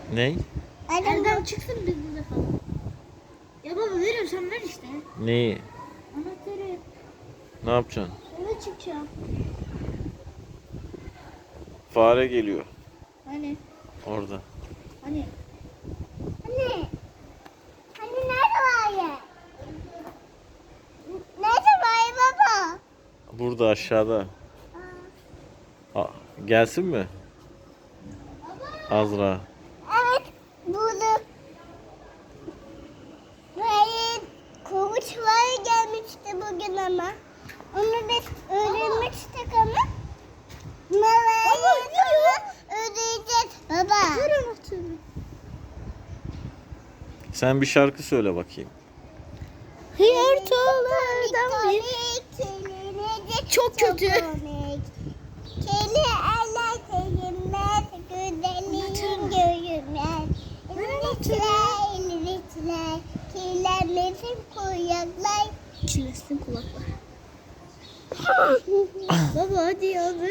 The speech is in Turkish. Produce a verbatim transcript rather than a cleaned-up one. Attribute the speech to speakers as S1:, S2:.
S1: Ney?
S2: Elden çıksın biz burada falan. Ya baba veriyorum sen ver işte.
S1: Neyi?
S2: Anahtarı.
S1: Ne yapacaksın?
S2: Eve çıkacağım.
S1: Fare geliyor
S2: Hani?
S1: orada.
S2: Hani?
S3: Anne. Hani nerede var ya? Nerede var baba?
S1: Burada aşağıda. A- gelsin mi? Azra.
S3: Evet. Burada. Hayır. Kovuçlar gelmişti bugün ama. Onu biz öğrenmiştik ama. Meva'yı sonra ödeyeceğiz. Baba.
S2: Ver anahtarı.
S1: Sen bir şarkı söyle bakayım.
S2: Hıyartolardan bir. Çok kötü.
S3: Keli eller sevinmez, güzelliğin görünmez. İlmişler, ilmişler, kirlenmesin kuyaklar.
S2: Çilesin kulaklar. Baba hadi ya.